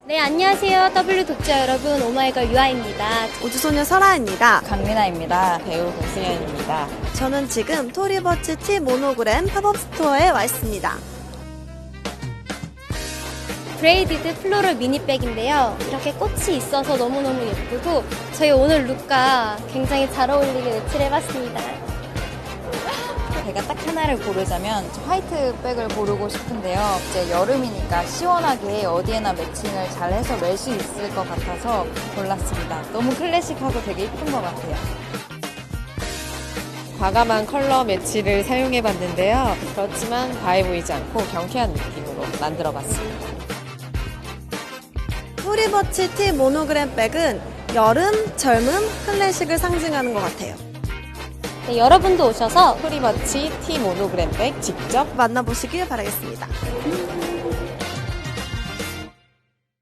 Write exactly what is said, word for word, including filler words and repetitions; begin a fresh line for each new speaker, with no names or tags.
네, 안녕하세요. 더블유 독자 여러분, 오마이걸 유아입니다.
우주소녀 설아입니다.
강민아입니다. 배우 공승현입니다.
저는 지금 토리버치 티 모노그램 팝업 스토어에 와 있습니다.
브레이디드 플로럴 미니백인데요. 이렇게 꽃이 있어서 너무너무 예쁘고 저희 오늘 룩과 굉장히 잘 어울리게 매치해봤습니다.
제가 딱 하나를 고르자면 저 화이트 백을 고르고 싶은데요. 이제 여름이니까 시원하게 어디에나 매칭을 잘 해서 멜 수 있을 것 같아서 골랐습니다. 너무 클래식하고 되게 예쁜 것 같아요.
과감한 컬러 매치를 사용해 봤는데요. 그렇지만 과해 보이지 않고 경쾌한 느낌으로 만들어 봤습니다.
토리버치 티 모노그램 백은 여름, 젊음, 클래식을 상징하는 것 같아요.
네, 여러분도 오셔서
토리버치 티 모노그램 백 직접
만나보시길 바라겠습니다.